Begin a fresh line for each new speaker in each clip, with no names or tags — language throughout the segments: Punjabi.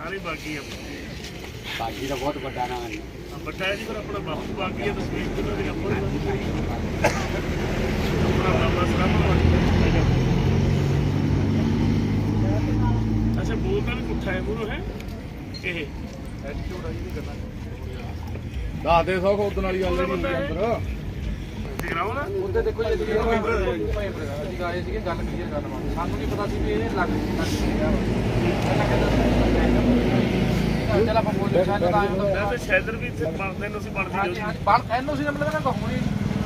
सारी बाकी है
बाकी तो बहुत बड़ा नाम है
बड़ा है जी फिर अपना बापू बाकी है तस्वीर तो मेरी अपना बाबा सलाम अच्छा बोलता भी पुट्ठा है मुरो है ਇਹ ਐਟੀਟਿਊਡ ਆ ਜੀ ਕਰਨਾ
ਦੱਸ ਦੇ ਸੌ ਉਦੋਂ ਵਾਲੀ ਗੱਲ ਨਹੀਂ ਅੰਦਰ
ਜਗਰਾਉਂ ਨਾ
ਉਹਦੇ ਦੇਖੋ ਜੀ ਅਸੀਂ ਆਏ ਸੀਗੇ ਗੱਲ ਕਲੀਅਰ ਕਰਨ ਵਾਸਤੇ ਸਾਨੂੰ ਨਹੀਂ ਪਤਾ ਸੀ ਵੀ ਇਹ ਲੱਗ ਗਿਆ ਪਹਿਲਾਂ ਕਹਿੰਦਾ ਚੱਲ ਆਪਾਂ ਬੋਲ ਲਿਆ ਤਾਂ ਆਏ ਹੁੰਦਾ
ਵੈਸੇ ਸ਼ੈਦਰ ਵੀ ਇੱਥੇ ਬਣਦੇ ਨੂੰ ਅਸੀਂ ਬਣਦੀ
ਹਾਂਜੀ ਹਾਂਜੀ ਬਣ ਐਨਓਸੀ ਦਾ ਮਤਲਬ ਕਹਿੰਦਾ ਹੋਣੀ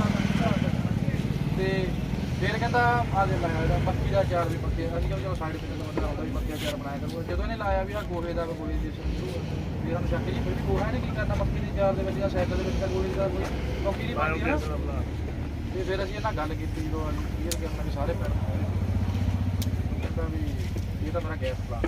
ਤੇ ਫਿਰ ਕਹਿੰਦਾ ਆ ਦੇ ਲਾਇਆ ਇਹਦਾ ਮੱਕੀ ਦਾ ਅਚਾਰ ਵੀ ਪੱਕੇ ਅਸੀਂ ਕਿਹਾ ਚਲੋ ਸਾਈਡ ਤੇ ਬੰਦਾ ਆਉਂਦਾ ਵੀ ਮੱਕੀ ਦਾ ਅਚਾਰ ਬਣਾਇਆ ਕਰੂਗਾ ਜਦੋਂ ਇਹਨੇ ਲਾਇਆ ਵੀ ਆ ਗੋਹੇ ਦਾ ਕੋਈ ਦੀ ਫਿਰ ਸਾਨੂੰ ਸ਼ੱਕ ਜੀ ਫਿਰ ਵੀ ਗੋਹਾ ਨੇ ਕੀ ਕਰਨਾ ਮੱਕੀ ਦੇ ਅਚਾਰ ਦੇ ਵਿੱਚ ਜਾਂ ਸਾਈਕਲ ਦੇ ਵਿੱਚ ਤਾਂ ਗੋਹੇ ਦਾ ਕੋਈ ਟੋਕੀ ਨਹੀਂ ਬਣਦੀ ਨਾ ਤੇ ਫਿਰ ਅਸੀਂ ਇਹਨਾਂ ਗੱਲ ਕੀਤੀ ਜਦੋਂ ਕਲੀਅਰ ਕਰਨਾ ਵੀ ਸਾਰੇ ਪਿੰਡ ਕਹਿੰਦਾ ਵੀ ਇਹ ਤਾਂ ਮੇਰਾ ਗੈਸ ਪਲਾਨ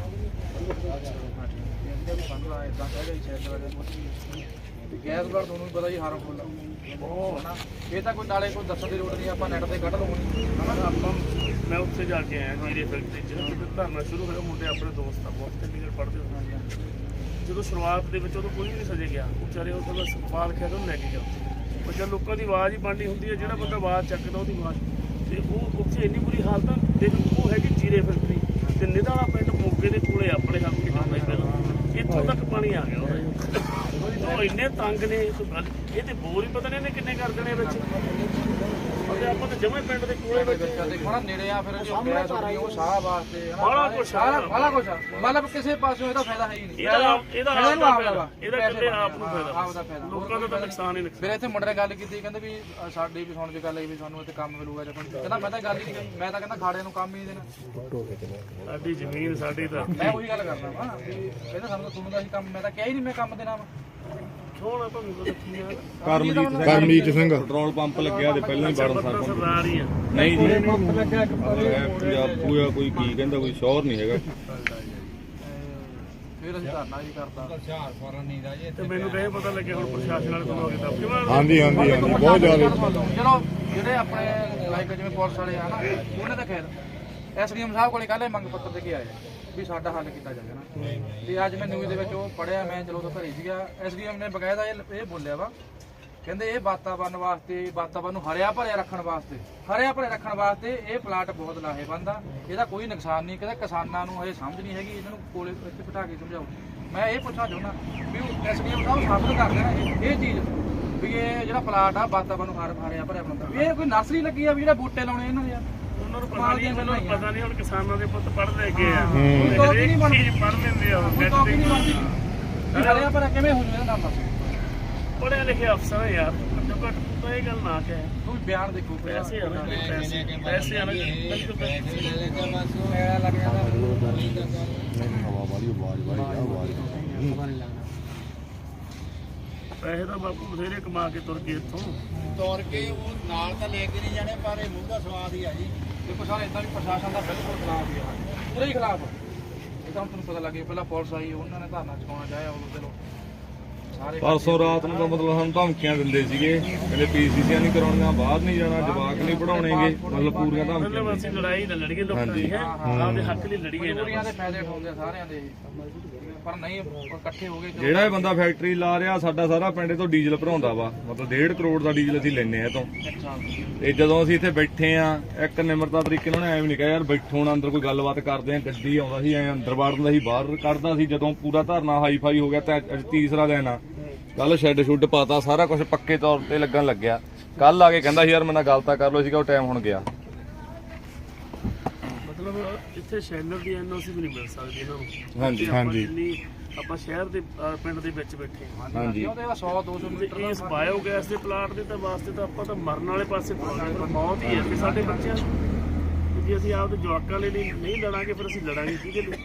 ਵੀ ਸਾਨੂੰ ਆ ਇਦਾਂ ਕਹਿ ਗਿਆ ਤੇ ਗੈਸ ਪਲਾਨ ਤੁਹਾਨੂੰ ਵੀ ਪਤਾ ਜੀ ਹਾਰਮਫੁੱਲ ਆ ਉਹ ਹਨਾ ਇਹ ਤਾਂ ਕੋਈ ਨਾਲੇ ਕੋਈ ਦੱਸਣ ਦੀ ਲੋੜ ਨਹੀਂ ਆਪਾਂ ਨੈਟ ਤੇ ਕੱਢ ਲਵਾਂਗੇ
ਆਪਾਂ ਮੈਂ ਉੱਥੇ ਜਾ ਕੇ ਆਇਆ ਜੀਰੇ ਫੈਕਟਰੀ 'ਚ ਧਰਨਾ ਸ਼ੁਰੂ ਹੋਇਆ ਮੁੰਡੇ ਆਪਣੇ ਦੋਸਤ ਆ ਬਹੁਤ ਚੰਡੀਗੜ੍ਹ ਪੜ੍ਹਦੇ ਹੁੰਦੇ ਜਦੋਂ ਸ਼ੁਰੂਆਤ ਦੇ ਵਿੱਚ ਉਦੋਂ ਕੋਈ ਵੀ ਨਹੀਂ ਸਜੇ ਗਿਆ ਵਿਚਾਰੇ ਉਹ ਤਾਂ ਸਵਾਲ ਖਿਆ ਉਹਨੂੰ ਲੈ ਕੇ ਗਿਆ ਉਹ ਜਦ ਲੋਕਾਂ ਦੀ ਆਵਾਜ਼ ਹੀ ਬਣਨੀ ਹੁੰਦੀ ਹੈ ਜਿਹੜਾ ਬੰਦਾ ਆਵਾਜ਼ ਚੱਕਦਾ ਉਹਦੀ ਆਵਾਜ਼ ਤੇ ਉਹ ਉੱਥੇ ਇੰਨੀ ਬੁਰੀ ਹਾਲਤ ਆ ਦੇਖ ਉਹ ਹੈਗੀ ਜੀਰੇ ਫੈਕਟਰੀ ਤੇ ਨਿਧਾਲਾ ਪਿੰਡ ਮੋਗੇ ਦੇ ਕੋਲੇ ਆਪਣੇ ਹੱਥ ਕਿੰਨਾ ਹੁੰਦਾ ਪਹਿਲਾਂ ਇੱਥੋਂ ਤੱਕ ਪਾਣੀ ਆ ਗਿਆ ਉਹ ਇੰਨੇ ਤੰਗ ਨੇ ਇਹ ਤੇ ਬੋਰ ਹੀ ਪਤਾ ਨਹੀਂ ਇਹਨੇ ਕਿੰਨੇ ਕਰ ਦੇਣੇ ਵਿੱਚ ਉਹਦੇ ਆਪਾਂ ਤਾਂ ਜਮੇ ਪਿੰਡ ਦੇ ਕੋਲੇ ਵਿੱਚ
ਦੇਖੋ ਨੇੜੇ ਆ ਫਿਰ ਜੋ ਗੈਸ ਹੋਣੀ ਉਹ ਸਾਹ ਵਾਸਤੇ
ਬਾਲਾ ਕੁਛ
ਮਤਲਬ ਕਿਸੇ ਪਾਸੋਂ ਇਹਦਾ ਫਾਇਦਾ ਹੈ ਹੀ ਨਹੀਂ
ਇਹਦਾ
ਇਹਦਾ
ਕਿਤੇ ਆਪ ਨੂੰ
ਆਪ
ਫਾਇਦਾ
ਦਾ ਫਾਇਦਾ
ਲੋਕਾਂ ਦਾ ਤਾਂ ਨੁਕਸਾਨ ਹੀ ਨੁਕਸਾਨ
ਫਿਰ ਇੱਥੇ ਮੁੰਡੇ ਨੇ ਗੱਲ ਕੀਤੀ ਕਹਿੰਦੇ ਵੀ ਸਾਡੀ ਵੀ ਸੁਣ ਕੇ ਗੱਲ ਆਈ ਵੀ ਸਾਨੂੰ ਇੱਥੇ ਕੰਮ ਮਿਲੂਗਾ ਜਾਂ ਕਹਿੰਦਾ ਮੈਂ ਤਾਂ ਗੱਲ ਹੀ ਨਹੀਂ ਮੈਂ ਤਾਂ ਕਹਿੰਦਾ ਖਾੜਿਆਂ ਨੂੰ ਕੰਮ ਹੀ ਨਹੀਂ ਦੇਣਾ
ਸਾਡੀ ਜ਼ਮੀਨ ਸਾਡੀ ਤਾਂ
ਮੈਂ ਉਹੀ ਗੱਲ ਕਰਦਾ ਵਾ ਵੀ ਕਹਿੰਦਾ ਸਾਨੂੰ ਤੁਹਾਨੂੰ ਦਾ ਹੀ ਕੰਮ ਮੈਂ ਤਾਂ ਕਿਹਾ ਹੀ ਨਹੀਂ ਮੈਂ ਕੰਮ ਦੇਣਾ ਵਾ
ਛੋਣਾ ਤੁਹਾਨੂੰ ਪਤਾ ਕੀ ਆ
ਕਰਮਜੀਤ ਸਿੰਘ
ਪੈਟਰੋਲ ਪੰਪ ਲੱਗਿਆ ਤੇ ਪਹਿਲਾਂ ਹੀ ਬੜਨ ਸਰਪੰਚ
ਸਰਦਾਰ ਹੀ ਆ
ਨਹੀਂ ਜੀ ਪੂਰਾ ਕੋਈ ਕੀ ਕਹਿੰਦਾ ਕੋਈ ਸ਼ੋਰ ਨਹੀਂ ਹੈਗਾ
ਫਿਰ ਅਸੀਂ ਧਰਨਾ ਜੀ ਕਰਦਾ
ਤੇ ਮੈਨੂੰ ਤਾਂ ਇਹ ਪਤਾ ਲੱਗਿਆ ਹੁਣ ਪ੍ਰਸ਼ਾਸਨ ਵਾਲੇ ਤੋਂ ਲੋਕ ਦੱਬ ਕਿਵੇਂ
ਹਾਂਜੀ ਹਾਂਜੀ ਹਾਂਜੀ ਬਹੁਤ ਜ਼ਿਆਦਾ
ਚਲੋ ਜਿਹੜੇ ਆਪਣੇ ਲਾਈਕ ਜਿਵੇਂ ਪੁਲਿਸ ਵਾਲੇ ਆ ਨਾ ਉਹਨਾਂ ਦਾ ਖੈਰ ਐਸਡੀਐਮ ਸਾਹਿਬ ਕੋਲੇ ਕੱਲ੍ਹ ਮੰਗ ਪੱਤਰ ਦੇ ਕੇ ਆਏ ਵੀ ਸਾਡਾ ਹੱਲ ਕੀਤਾ ਜਾਵੇ ਨਾ ਤੇ ਅੱਜ ਮੈਂ ਨਿਊਜ਼ ਦੇ ਵਿੱਚ ਉਹ ਪੜਿਆ ਮੈਂ ਚਲੋ ਤਾਂ ਘਰੇ ਸੀਗਾ ਐਸਡੀਐਮ ਨੇ ਬਕਾਇਦਾ ਇਹ ਬੋਲਿਆ ਵਾ ਕਹਿੰਦੇ ਇਹ ਵਾਤਾਵਰਨ ਵਾਸਤੇ ਵਾਤਾਵਰਨ ਨੂੰ ਹਰਿਆ ਭਰਿਆ ਰੱਖਣ ਵਾਸਤੇ ਇਹ ਪਲਾਟ ਬਹੁਤ ਲਾਹੇਵੰਦ ਆ ਇਹਦਾ ਕੋਈ ਨੁਕਸਾਨ ਨਹੀਂ ਕਹਿੰਦਾ ਕਿਸਾਨਾਂ ਨੂੰ ਹਜੇ ਸਮਝ ਨਹੀਂ ਹੈਗੀ ਇਹਨਾਂ ਨੂੰ ਕੋਲੇ ਇੱਥੇ ਬਿਠਾ ਕੇ ਸਮਝਾਓ ਮੈਂ ਇਹ ਪੁੱਛਣਾ ਚਾਹੁੰਦਾ ਵੀ ਐਸਡੀਐਮ ਸਾਹਿਬ ਸਾਬਤ ਕਰ ਦੇਣਾ ਇਹ ਚੀਜ਼ ਵੀ ਇਹ ਜਿਹੜਾ ਪਲਾਟ ਆ ਵਾਤਾਵਰਨ ਨੂੰ ਹਰਿਆ ਭਰਿਆ ਬਣਾਉਂਦਾ ਵੀ ਇਹ ਕੋਈ ਨਰਸਰੀ ਲੱਗੀ ਆ ਵੀ ਜਿਹੜਾ ਬੂਟੇ ਲਾਉਣੇ ਇਹਨਾਂ ਦੇ ਯਾਰ
ਉਹਨਾਂ ਨੂੰ ਪਤਾ ਨਹੀਂ ਮੈਨੂੰ ਪਤਾ ਨਹੀਂ ਹੁਣ ਕਿਸਾਨਾਂ ਦੇ ਪੁੱਤ ਪੜ੍ਹ ਲੈ ਗਏ ਆ
ਟੋਪੀ ਨਹੀਂ ਬਣਦੀ
ਪੜ੍ਹ ਲੈਂਦੇ ਆ
ਟੋਪੀ ਨਹੀਂ ਬਣਦੀ ਹਰਿਆ ਭਰਿਆ ਕਿਵੇਂ ਹੋ ਜੂਗਾ ਇਹਦਾ ਦੱਸ
ਪੜ੍ਹੇ ਲਿਖੇ ਅਫਸਰ ਆ ਯਾਰ ਘੱਟੋ ਘੱਟ ਤਾਂ ਇਹ ਗੱਲ ਨਾ ਕਹੇ
ਕੋਈ ਬਿਆਨ ਦੇਖੋ
ਪੈਸੇ ਆ ਨਾ ਪੈਸੇ ਆ ਨਾ
ਲੱਗ ਜਾਂਦਾ
ਹਵਾ ਵਾਲੀ ਆਵਾਜ਼
ਪੈਸੇ ਤਾਂ ਬਾਪੂ ਬਥੇਰੇ ਕਮਾ ਕੇ ਤੁਰ ਗਏ ਇੱਥੋਂ
ਤੋੜ ਕੇ ਉਹ ਨਾਲ ਤਾਂ ਲੈ ਕੇ ਨਹੀਂ ਜਾਣੇ ਪਰ ਇਹ ਮੂੰਹ ਦਾ ਸਵਾਦ ਹੀ ਆ ਜੀ
ਦੇਖੋ ਸਾਰੇ ਇਦਾਂ ਵੀ ਪ੍ਰਸ਼ਾਸਨ ਦਾ ਬਿਲਕੁਲ ਖਿਲਾਫ ਹੀ ਆ ਪੂਰੇ ਹੀ ਖਿਲਾਫ ਇਹ ਤਾਂ ਹੁਣ ਤੁਹਾਨੂੰ ਪਤਾ ਲੱਗ ਗਿਆ ਪਹਿਲਾਂ ਪੁਲਿਸ ਆਈ ਉਹਨਾਂ ਨੇ ਧਰਨਾ ਚੁਕਾਉਣਾ ਚਾਹਿਆ ਉਦੋਂ ਚਲੋ ਸਾਰੇ
ਪਰਸੋਂ ਰਾਤ ਨੂੰ ਤਾਂ ਮਤਲਬ ਸਾਨੂੰ ਧਮਕੀਆਂ ਦਿੰਦੇ ਸੀਗੇ ਕਹਿੰਦੇ ਪੀਸੀਸੀਆਂ ਨਹੀਂ ਕਰਾਉਣੀਆਂ ਬਾਹਰ ਨਹੀਂ ਜਾਣਾ ਜਵਾਕ ਨਹੀਂ ਪੜਾਉਣੇਗੇ ਮਤਲਬ ਪੂਰੀਆਂ ਧਮਕੀਆਂ
ਮਤਲਬ ਅਸੀਂ ਲੜਾਈ ਨਾ ਲੜੀਏ ਲੋਕਾਂ ਦੀ ਹੈ ਆਪਦੇ ਹੱਕ ਲਈ ਲੜੀਏ
ਮਜ਼ਦੂਰੀਆਂ ਦੇ ਫਾਇਦੇ ਉਠਾਉਂਦੇ ਆ ਸਾਰਿਆਂ ਦੇ ਪਰ ਨਹੀਂ ਇਕੱਠੇ ਹੋ ਗਏ
ਜਿਹੜਾ ਇਹ ਬੰਦਾ ਫੈਕਟਰੀ ਲਾ ਰਿਹਾ ਸਾਡਾ ਸਾਰਾ ਪਿੰਡ ਤੋਂ ਡੀਜ਼ਲ ਭਰਾਉਂਦਾ ਵਾ ਮਤਲਬ 1.5 ਕਰੋੜ ਦਾ ਡੀਜ਼ਲ ਅਸੀਂ ਲੈਨੇ ਆ ਇਹ ਤੋਂ ਤੇ ਜਦੋਂ ਅਸੀਂ ਇੱਥੇ ਬੈਠੇ ਆ ਇੱਕ ਨਿਮਰਤਾ ਤਰੀਕੇ ਨਾਲ ਐਵੇਂ ਨਹੀਂ ਕਿਹਾ ਯਾਰ ਬੈਠੋ ਨਾ ਅੰਦਰ ਕੋਈ ਗੱਲਬਾਤ ਕਰਦੇ ਆ ਗੱਡੀ ਆਉਂਦਾ ਸੀ ਐ ਅੰਦਰ ਵੜਦਾ ਸੀ ਬਾਹਰ ਕੱਢਦਾ ਸੀ ਜਦੋਂ ਪੂਰਾ ਧਰਨਾ ਹਾਈਫਾਈ ਹੋ ਗਿਆ ਤੇ ਅੱਜ ਤੀਸਰਾ ਦਿਨ ਆ ਕੱਲ ਸ਼ੈੱਡ ਸ਼ੁੱਡ ਪਾਤਾ ਸਾਰਾ ਕੁਝ ਪੱਕੇ ਤੌਰ ਤੇ ਲੱਗਣ ਲੱਗਿਆ ਕੱਲ ਆ ਕੇ ਕਹਿੰਦਾ ਸੀ ਯਾਰ ਮੇਰੇ ਨਾਲ ਗੱਲ ਤਾਂ ਕਰ ਲਓ ਸੀਗਾ ਉਹ ਟਾਈਮ ਹੁਣ ਗਿਆ
ਮਤਲਬ ਇੱਥੇ ਸ਼ੈਲਰ ਦੀ ਐਨਓਸੀ ਵੀ ਨਹੀਂ ਮਿਲ ਸਕਦੀ ਇਹਨਾਂ ਨੂੰ
ਹਾਂਜੀ
ਜਿੰਨੀ ਆਪਾਂ ਸ਼ਹਿਰ ਦੇ ਪਿੰਡ ਦੇ ਵਿੱਚ ਬੈਠੇ
ਹਾਂਜੀ
ਉਹਦੇ 100 200 ਮੀਟਰ
ਇਸ ਬਾਇਓਗੈਸ ਦੇ ਪਲਾਂਟ ਦੇ ਤਾਂ ਵਾਸਤੇ ਤਾਂ ਆਪਾਂ ਤਾਂ ਮਰਨ ਵਾਲੇ ਪਾਸੇ ਪਹੁੰਚਾਂਗੇ ਮੌਤ ਹੀ ਹੈ ਕਿ ਸਾਡੇ ਬੱਚਿਆਂ ਨੂੰ ਜੇ ਅਸੀਂ ਆਪਦੇ ਜਵਾਕਾਂ ਲਈ ਨਹੀਂ ਲੜਾਂਗੇ ਫਿਰ ਅਸੀਂ ਲੜਾਂਗੇ ਕਿਹਦੇ ਲਈ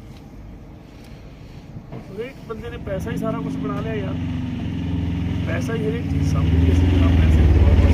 ਹਰੇਕ ਬੰਦੇ ਨੇ ਪੈਸਾ ਹੀ ਸਾਰਾ ਕੁਝ ਬਣਾ ਲਿਆ ਯਾਰ ਪੈਸਾ ਹੀ ਹਰੇਕ ਚੀਜ਼ ਸਮਝਦੀ ਅਸੀਂ ਜਨਾਬ ਪੈਸੇ